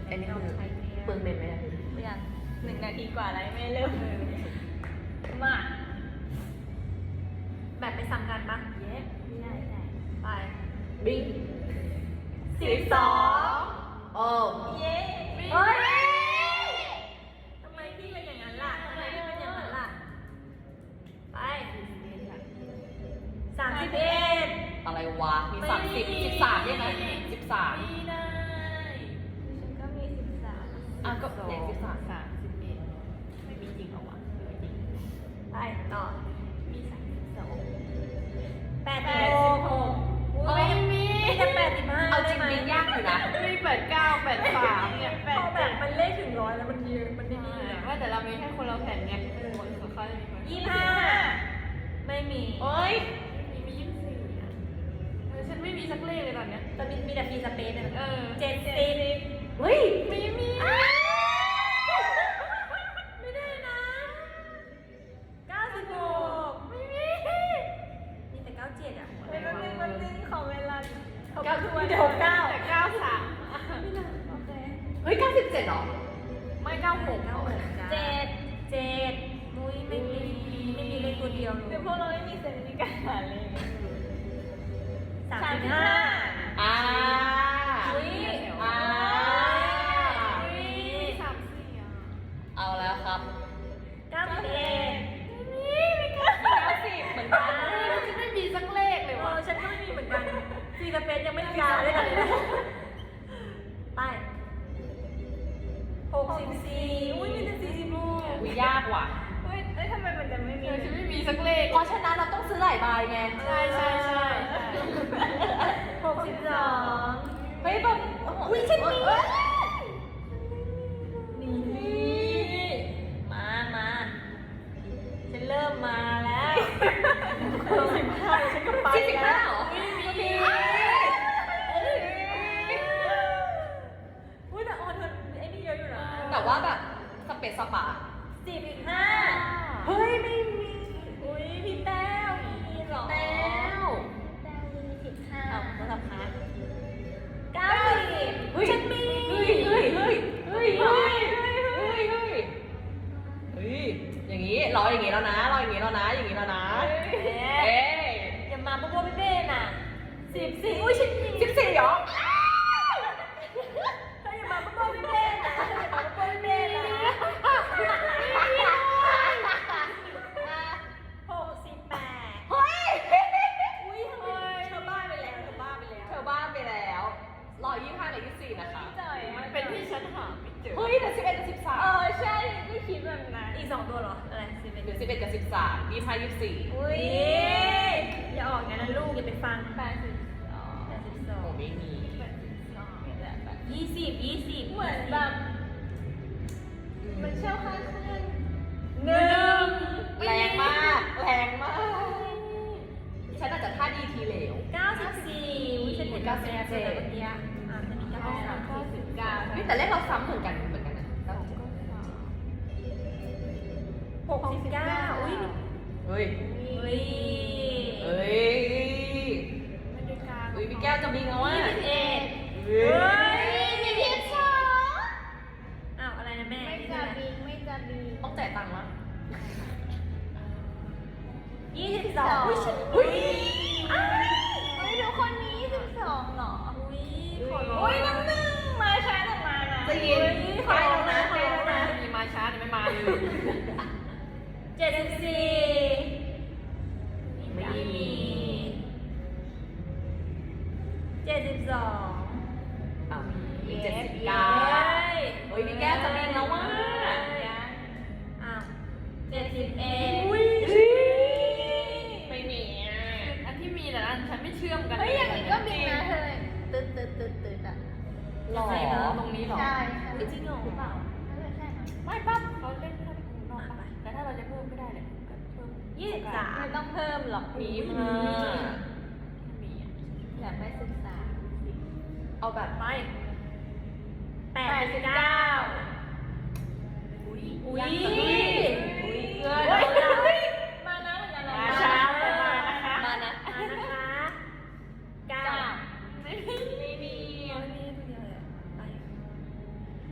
อันนี้คือเปลืองเน็ตไหมอ่ะไม่ยัง1 นาทีกว่าแล้วไม่เริ่มเลยมาแบบไปสั่งกันปะเย้ไม่ได้ไปบิง 12 โอ้เย้เฮ้ยทำไมพี่เป็นอย่างนั้นล่ะทำไมพี่เป็นอย่างนั้นล่ะไป31 อะไรวะมี13ได้ไหม13 ไม่ได้ฉันก็มี13 อ่ะก็ไหน13 31ไม่มีจริงเหรอวะไม่จริงไปต่อมี32 86อุ้ยมีแต่85 เอาจได้ริงไหมบิงยากอยู่นะมี89 83เนี่ยพอแบบมันเลขถึง100แล้วมันเยอะมันไม่มีว่าแต่เรามีแค่คนเราแผ่นไงคนของเขาจะมีคน 25ไม่มีโอ้ยมี24อ่ะฉันไม่มีสักเลขเลยตอนเนี้ยแต่มีแต่ฟรีสเปซเนี่ย 70 เฮ้ยไม่มีไม่ได้นะ96ไม่มีมีแต่97อ่ะแป๊บนึงขอเวลามีแต่69 แต่93 โอเคเฮ้ย97เหรอไม่96 7มุ้ยไม่มีเลขตัวเดียวเลเดี๋ยยวพวกเราไม่มีเซนส์ในการหาเลข 35 อ่าอุ้ยอ่า 34อ่ะเอาแล้วครับ 91 90เหมือนกันฉันไม่มีสักเลขเลยว่ะฉันก็ไม่มีเหมือนกันฟรีสเปซยังไม่มีการเลยกันไป64อุ้ยมีแต่40ลูกอุ้ยยากว่ะเฮ้ยทำไมมันจะไม่มีฉันไม่มีสักเลขเพราะฉะนั้นเราต้องซื้อหลายใบไงใช่ 62 เฮ้ยแบบอุ้ยฉันมีนี่มาฉันเริ่มมาแล้ว15ฉันก็ไป 45เหรอมีอุ้ยแต่ออนเธอไอ้นี่เยอะอยู่นะแต่ว่าแบบสเปซสปะ 15เฮ้ยไม่มีอุ้ยพี่แต้วมีเหรอแต้วแต้วมี15 เอาโทรศัพท์ค้าง90 เฮ้ยฉันมีเฮ้ยอย่างนี้รออย่างนี้แล้วนะอย่างนี้แล้วนะเอ้ยอย่ามาโบ๊ะเบ้ๆน่ะ14อุ้ยฉันมี 14เหรอเธออย่ามาโบ๊ะเบ้ๆน่ะอย่ามาโบ๊ะเบ้ๆน่ะ68 เฮ้ยอุ้ยทำไมเธอบ้าไปแล้วเธอบ้าไปแล้ว125กับ24นะคะจ่อยมันเป็นที่ฉันหาไม่เจอเฮ้ยแต่11กับ13 ใช่ก็คิดแบบนั้นอีก2ตัวเหรอ อะไร11 หรือ11กับ13 25 24 อุ้ยอย่าออกงั้นนะลูกอย่าไปฟังโอ้ไม่มี 20 เหมือนแบบมันเช่าค่าเครื่อง 1 แรงมาก ฉันอาจจะท่าดีทีเหลว 94อุ้ยฉันเห็นกาแฟเมื่อกี้อ่ะจะมี93 นี่แต่เลขเราซ้ำเหมือนกันนะ 69อุ้ยเฮ้ยเฮ้ยเฮ้ยพี่แก้วจะบิงแล้วว่ะ 21 เฮ้เฮ้ยยมีเพียง2อ้าวอะไรนะแม่ไม่จะบิงไม่จะบิงต้องจ่ายตังค์ละ 22อุ้ยฉันเฮ้ยเฮ้ยทุกคนมี22เหรออุ้ยขอร้องอุ้ยน้ำหนึ่งมาช้าแต่มานะจะยินขอร้องนะขอร้องนะมีมาช้าแต่ไม่มาเลย 74ไม่มี72 อ้าวมี79เฮ้ยพี่แก้วจะบิงแล้วว่ะอ้าว71อุ้ยไม่มีอ่ะอันที่มีแต่อันฉันไม่เชื่อมกันเฮ้ยอย่างนี้ก็บิงนะเธอตึ๊ดอ่ะหรอตรงนี้หรอใช่จริงเหรอเปล่าใช่นะไม่ปั๊บเขาเล่นแค่ที่ข้างนอกปะแต่ถ้าเราจะเพิ่มก็ได้แหละก็เพิ่ม 23 ไม่ต้องเพิ่มหรอกมีมีมามีอ่ะอยากไปศึกษาเอาแบบไป 89อุ้ยอุ้ยเกินเฮ้ยมานะเหมือนกันนะมาช้าแต่มานะคะมานะนะคะ9 ไม่มีไม่มีตัวเดียวเลยอะไป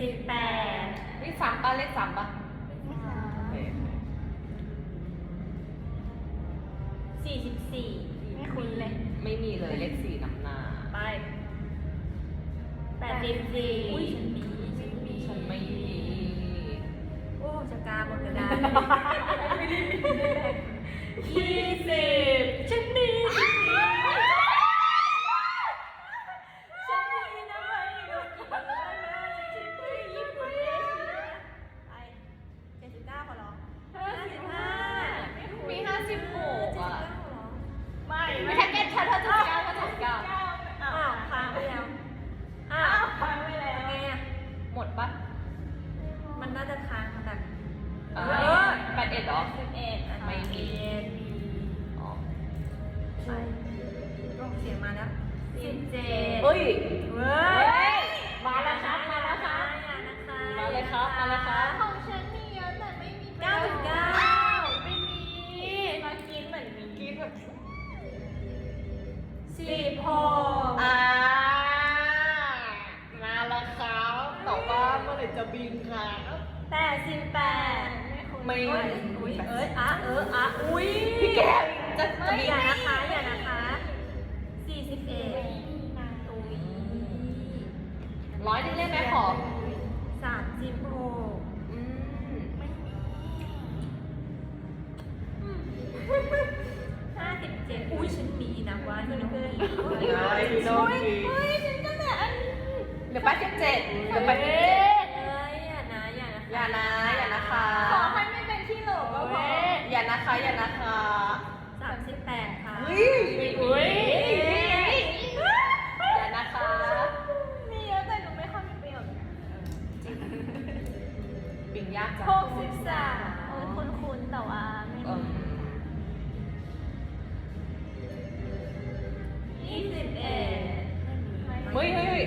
78 นี่ซ้ำป่ะเลขซ้ำป่ะโอเค 44ไม่คุ้นเลยไม่มีเลยเลขสี่นำหน้าไป84อุ้ยฉันไม่มีโอ้จะกาบนกระดาน20ฉันมีฉันมีนะไม่รู้กี่แล้วนะฉันที่ญี่ปุ่นเอเชียไป79ขอร้อง55 มี56อ่ะไม่ไม่แค่เก็ตชัดเธอจะเก้าก็จะเก้าอ้าวค้างไปแล้วอ้าวค้างไปแล้วไงอ่ะหมดป่ะมันน่าจะค้างแบบ 81เหรอ 11 ไม่มีอ๋อไปลงเสียงมาแล้ว17 เฮ้ยเว้ยมาแล้วครับมาแล้วครับอย่านะคะมาเลยครับมาเลยครับของฉันมีเยอะแต่ไม่มี 99ไม่มีมากินเหมือนมีกินแบบ 16 มาแล้วครับแต่ว่าเมื่อไหร่จะบินครับ 88 ไม่อุ้ยอุ้ยอุ้ยพี่แกจะบินอย่านะคะ41อุ้ย 100นึงได้ไหมขอ 36 อืม 57อุ้ยฉันมีนะว่าที่น้องกีเฮ้ยฉันก็แต่อันเหลือ87เหลือ87 เอ้ยอย่านะอย่านะคะขอให้ไม่เป็นที่โหลก็พออย่านะคะ 38ค่ะเฮ้ยอย่านะคะมีเยอะแต่หนูไม่ค่อยมีประโยชน์ปิ่งยากจัง 63โอ้ยคุ้นๆแต่ว่าไม่เอิ่มีม 21 เฮ้ยเฮ้ย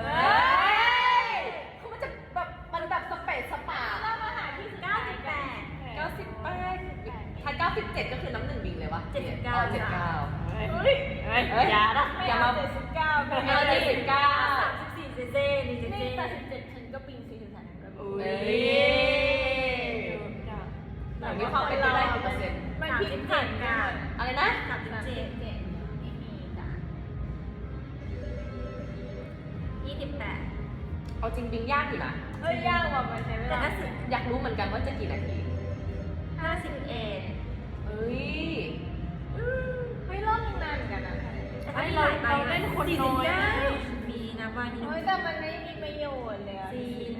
เขามันจะแบบมันแบบสเปซสปาเรามาหาที่สุดท้ายกัน 98ถ้า97ก็คือน้ำหนึ่งบิงเลยวะ 79 อ๋อ79 อย่านะอย่ามา 79 ไม่เอา79 34เซนี่นี่เจ 87ฉันก็ปิง43ฉันก็ปิงเอ้ยหนูมีความเป็นไปได้กี่เปอร์เซ็นต์มันผิดผ่านกันอะไรนะ 37ไม่มีจ้ะ 28 เอาจริงบิงยากอยู่นะเอ้ยยากกว่ามันใช้เวแต่ลาถ้าสิบอยากรู้เหมือนกันว่าจะกี่นาที 51 เฮ้ยเฮ้ยรอบนึงนานเหมือนกันนะไม่หลายใบเล่นคนน้อยมีนะว่านี่เฮ้ยแต่มันไม่มีประโยชน์เลยอะซีน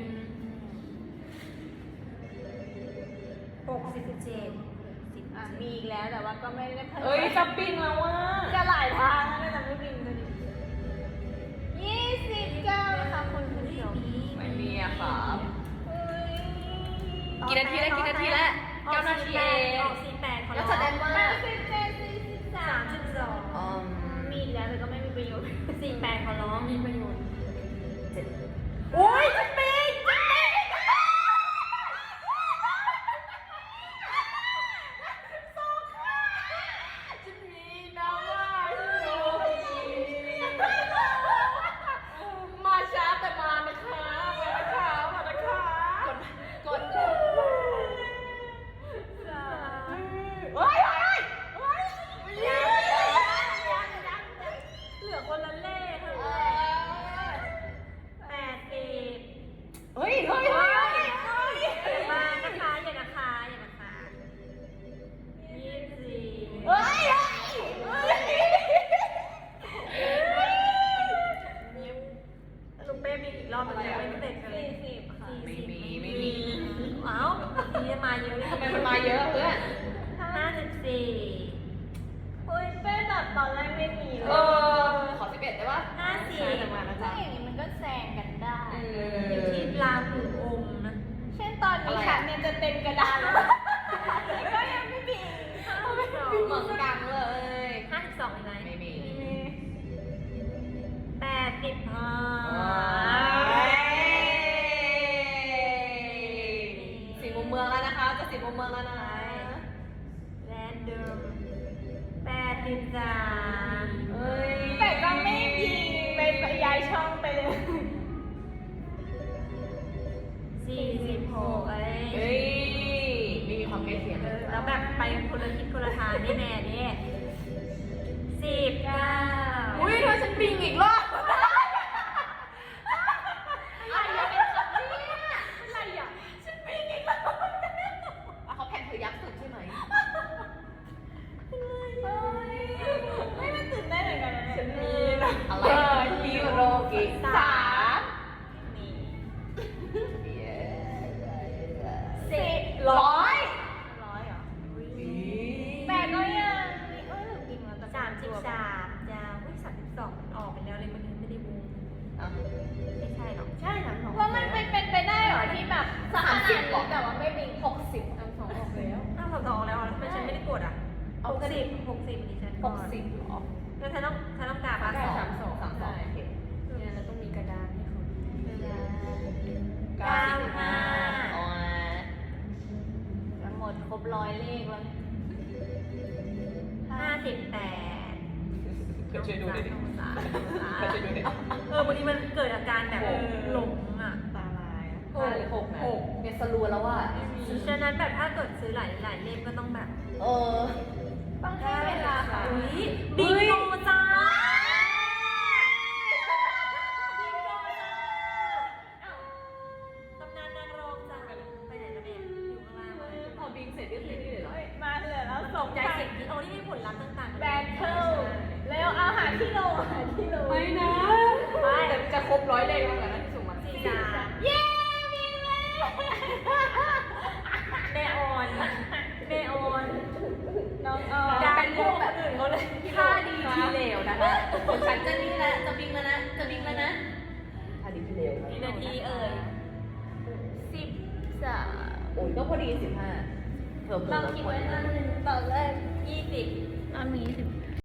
67 อ่ะมีอีกแล้วแต่ว่าก็ไม่ได้เพิ่มเอ้ยจะบิงแล้วว่ะจะหลายทางแล้วนะแต่ไม่บินเลย29นะคะคุณผู้ชมไม่มีอะครับเฮ้ยกี่นาทีแล้ว9 นาทีเองออก48 ก็แสดงว่า 32 อืมมีอีกแล้วแต่ก็ไม่มีประโยชน์ 48ขอร้องมีประโยชน์โอ้ยจะบิงมาช้าแต่มานะคะมานะคะกดเฮ้ยเหลือคนละเลขเท่านั้น80 เฮ้ยมานะคะอย่านะคะ24 ลูกเป้มีอีกรอบนึงยังไม่เสร็จเลย 40ค่ะไม่มีอ้าวทีนี้มาเยอะเลยทำไมมันมาเยอะเพื่อน 54 เฮ้ยเป็นแบบตอนแรกไม่มีเลเอย อ ขอ11ได้ปะ 54 แต่มาแล้วถ้าจ้ะอย่างนี้มันก็แซงกันได้อยู่ที่ลาหูอมนะเช่นตอนนี้ฉันเนี่ยจะเต็มกระดานแล้วก็ยังไม่บินเหมือนกันเลย 52อีกไหมไม่มี สี่มุมเมืองแล้วนะคะ จะสี่มุมเมืองแล้วนะแรนเดิม83 เฮ้ยแต่ก็ไม่บินไปย้ายช่องไปเลยแบบไปคนละทิศคนละทางแน่ๆเนี่ย19 อุ้ยถ้าฉันบิงอีกรอบอะไรอะเป็นคำเนี่ยอะไรอะฉันบิงอีกแล้วเขาแผ่นเธอยักษ์สุดใช่ไหมไม่มันตื่นได้นเหมือนกันนะฉันมีเนี่ยนะอะไรฮิโรกิ3 นี่ 10 100 100เหรอแปดก็ยังจริงแล้ว33จ้าอุ้ย32ออกไปแล้วเลยมันไม่ได้บูมอ่ะไม่ใช่หรอกใช่หนังสองว่ามันเป็นไปได้เหรอที่แบบ 30ก่อนแต่ว่าไม่บิง 60 หนังสองออกแล้วอ้าวสองแล้วทำไมฉันไม่ได้กดอ่ะเอาก็ดิ 60ดิฉัน 60เหรอแล้วฉันต้องกาปะ 32โอเคเนี่ยเราต้องมีกระดานให้เขา 95อ๋อจะหมดครบ100เลขแล้ว58 เพื่อนช่วยดูหน่อยดิเพื่อนช่วยดูหน่อยดิบางทีมันเกิดอาการแบบหลงอ่ะตาลายอะ 5หรือ6นะเนี่ยสรัวแล้วว่าฉะนั้นแบบถ้าเกิดซื้อหลายเล่มก็ต้องแบบต้องให้เวลาค่ะอุ้ยบิงโกจ้าตำนานนางรองจ้าไปไหนแล้วเนี่ยอยู่ข้างล่างมาพอบิงเสร็จก็คือนี่เลยเหรอมาเหลือแล้วตกใจเสียงที่โอ้นี่ให้ผลลัพธ์ต่างๆแบนเทิลแล้วเอาหาที่โหลหาที่โหลไม่นะไปแต่จะครบ100เลขแล้วกันนะที่ส่งมา 43 เย้มีเลยแม่ออนแม่ออนน้องออการเป็นพวกแบบอื่นเขาเลยท่าดีทีเหลวนะคะของฉันจะนี่แล้วจะบิงแล้วนะจะบิงแล้วนะท่าดีทีเหลวกี่นาทีเอ่ย 13 โอ้ยก็พอดี15เพิ่มเราคิดไว้ตอนหนึ่งตอนแรก 20 ตอนนี้10